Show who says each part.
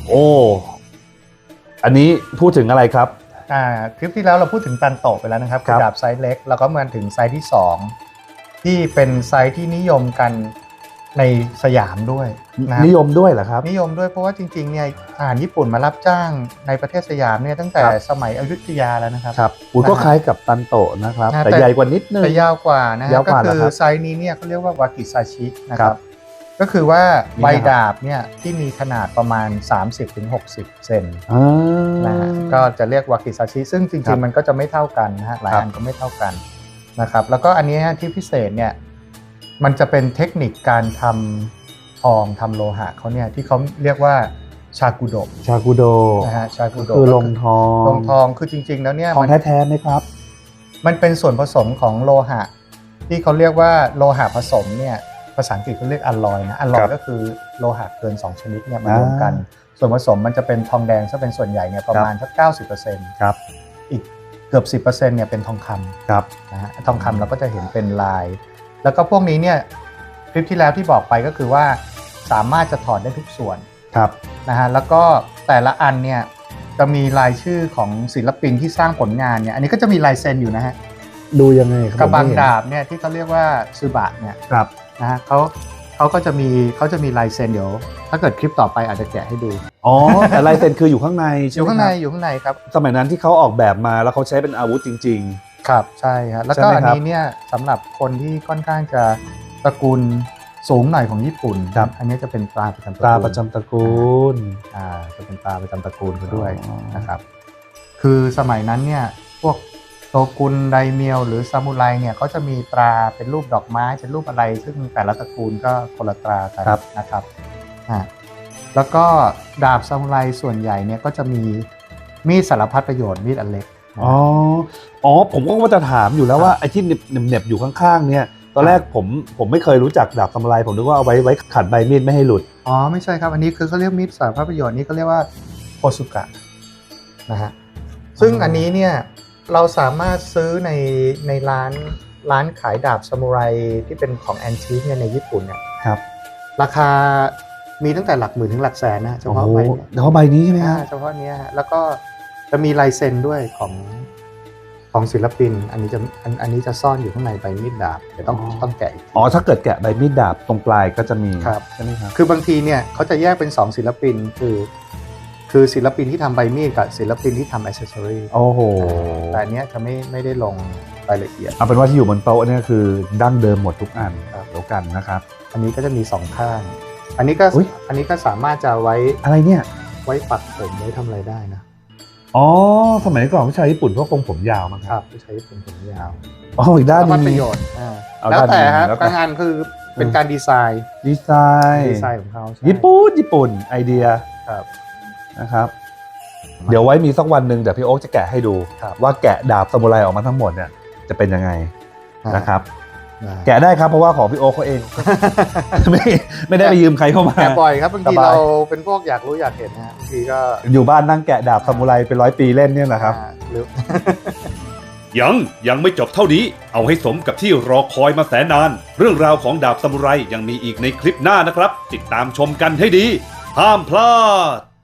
Speaker 1: โอ้อันนี้พูดถึงอะไรครับ
Speaker 2: คลิปที่แล้วเราพูดถึงตันโตะไปแล้วนะครับคือดาบไซส์เล็กแล้วก็มาถึงไซส์ที่2ที่เป็นไซส์ที่นิยมกันในสยามด้วยนะ
Speaker 1: นิยมด้วยเหรอครับ
Speaker 2: นิยมด้วยเพราะว่าจริงๆเนี่ยทหารญี่ปุ่นมารับจ้างในประเทศสยามเนี่ยตั้งแต่สมัยอยุธยาแล้วนะครับ
Speaker 1: ครับก็คล้ายกับตันโตะนะครับแต่ใหญ่กว่านิดนึง
Speaker 2: แต่ยาวกว่านะก็คือไซส์นี้เนี่ยเขาเรียกว่าวากิซาชินะครับก็คือว่าใบดาบเนี่ยที่มีขนาดประมาณ 30-60 เซนนะก็จะเรียกวากิซาชิซึ่งจริงๆมันก็จะไม่เท่ากันนะฮะหลายอันก็ไม่เท่ากันนะครับแล้วก็อันนี้ที่พิเศษเนี่ยมันจะเป็นเทคนิคการทำทองทำโลหะเขาเนี่ยที่เขาเรียกว่าชากุโดนะฮะชากุโด
Speaker 1: คือลงทอง
Speaker 2: คือจริงๆแล้วเนี่ย
Speaker 1: ทองแท้ๆไหมครับ
Speaker 2: มันเป็นส่วนผสมของโลหะที่เขาเรียกว่าโลหะผสมเนี่ยภาษาอังกฤษเขาเรียกอลลอยนะอลลอยก็คือโลหะเกิน2ชนิดเนี่ยมารวมกันส่วนผสมมันจะเป็นทองแดงซะเป็นส่วนใหญ่เนี่ยประมาณสัก 90%
Speaker 1: ครับ
Speaker 2: อีกเกือบ 10% เนี่ยเป็นทองคำ
Speaker 1: ครับ
Speaker 2: นะฮะทองคำเราก็จะเห็นเป็นลายแล้วก็พวกนี้เนี่ยคลิปที่แล้วที่บอกไปก็คือว่าสามารถจะถอดได้ทุกส่วน
Speaker 1: ครับ
Speaker 2: นะฮะแล้วก็แต่ละอันเนี่ยจะมีรายชื่อของศิลปินที่สร้างผลงานเนี่ยอันนี้ก็จะมีลายเซ็นอยู่นะฮะ
Speaker 1: ดูยังไงครับ
Speaker 2: กระบังดาบเนี่ยที่เขาเรียกว่าซึบะเนี่ย
Speaker 1: ครับ
Speaker 2: นะฮะเขาก็จะมีลายเซ็นเดี๋ยวถ้าเกิดคลิปต่อไปอาจจะแกะให้ดู
Speaker 1: อ๋อแต่ลายเซ็นคืออยู่ข้างใน
Speaker 2: อยู่ข้างในครับ
Speaker 1: สมัยนั้นที่เขาออกแบบมาแล้วเขาใช้เป็นอาวุธจริง
Speaker 2: ๆครับใช่ครับแล้วก็อันนี้เนี่ยสำหรับคนที่ค่อนข้างจะตระกูลสูงหน่อยของญี่ปุ่นอันนี้จะเป็นตราประจำตระกูลจะเป็นตราประจำตระกูลเขาด้วยนะครับคือสมัยนั้นเนี่ยพวกโตกุนไดเมียวหรือซามูไรเนี่ยเขาจะมีตราเป็นรูปดอกไม้เป็นรูปอะไรซึ่งแต่ละตระกูลก็คนละตรากันนะครับแล้วก็ดาบซามูไรส่วนใหญ่เนี่ยก็จะมีมีดสารพัดประโยชน์มีดอันเล็ก
Speaker 1: ผมก็ว่าจะถามอยู่แล้วว่าไอ้ที่เหน็บอยู่ข้างๆเนี่ยตอนแรกผมไม่เคยรู้จักดาบซามูไรผมนึกว่าเอาไว้ขัดใบมีดไม่ให้หลุด
Speaker 2: ไม่ใช่ครับอันนี้คือเขาเรียกมีดสารพัดประโยชน์นี่เขาเรียกว่าโคซุกะนะฮะซึ่งอันนี้เนี่ยเราสามารถซื้อในร้านขายดาบซามูไรที่เป็นของแอนทิคเนี่ยในญี่ปุ่นเนี่ย
Speaker 1: ครับ
Speaker 2: ราคามีตั้งแต่หลักหมื่นถึงหลักแสนนะเฉพาะใบ
Speaker 1: นี้ใช่ไหมครับ
Speaker 2: เฉพาะนี้แล้วก็จะมีลายเซ็นด้วยของศิลปินอันนี้จะซ่อนอยู่ข้างในใบมีดดาบเดี๋ยวต้องแกะอีก
Speaker 1: ถ้าเกิดแกะใบมีดดาบตรงปลายก็จะมี
Speaker 2: ใช่ไหมครับคือบางทีเนี่ยเขาจะแยกเป็น2ศิลปินคือศิลปินที่ทำใบมีดกับศิลปินที่ทำอิสเซอรี่แต่อันนี้จะไม่ได้ลงรายละเอียด
Speaker 1: เอาเป็นว่าที่อยู่บนโต๊ะเนี่ยคือดั้งเดิมหมดทุกอันแล้วกันนะครับ
Speaker 2: อันนี้ก็จะมี2ข้างอันนี้ก็สามารถจะไว้
Speaker 1: อะไรเนี่ย
Speaker 2: ไว้ปักผมไว้ทำอะไรได้นะ
Speaker 1: สมัยก่อนผู้ชายญี่ปุ่นพวกผมยาวมั้ง
Speaker 2: ครับผู้ชายญี่ปุ่นผมยาว
Speaker 1: อีกด้านนึง
Speaker 2: ประโยชน์แล้วแต่ฮะการงานคือเป็นการดีไซน์ของเขา
Speaker 1: ญี่ปุ่นไอเดียนะครับเดี๋ยวไว้มีสักวันหนึ่งเดี๋ยวพี่โอ๊คจะแกะให้ดูว่าแกะดาบซามูไรออกมาทั้งหมดเนี่ยจะเป็นยังไงนะครับแกะได้ครับเพราะว่าของพี่โอ๊คเขาเองไม่ได้ไปยืมใครเข้ามา
Speaker 2: แกะบ่อยครับบางทีเราเป็นพวกอยากรู้อยากเห็นนะบางทีก็
Speaker 1: อยู่บ้านนั่งแกะดาบซามูไรเป็น100 ปีเล่นเนี่ยนะครับ
Speaker 3: ยังไม่จบเท่านี้เอาให้สมกับที่รอคอยมาแสนนานเรื่องราวของดาบซามูไรยังมีอีกในคลิปหน้านะครับติดตามชมกันให้ดีห้ามพลาด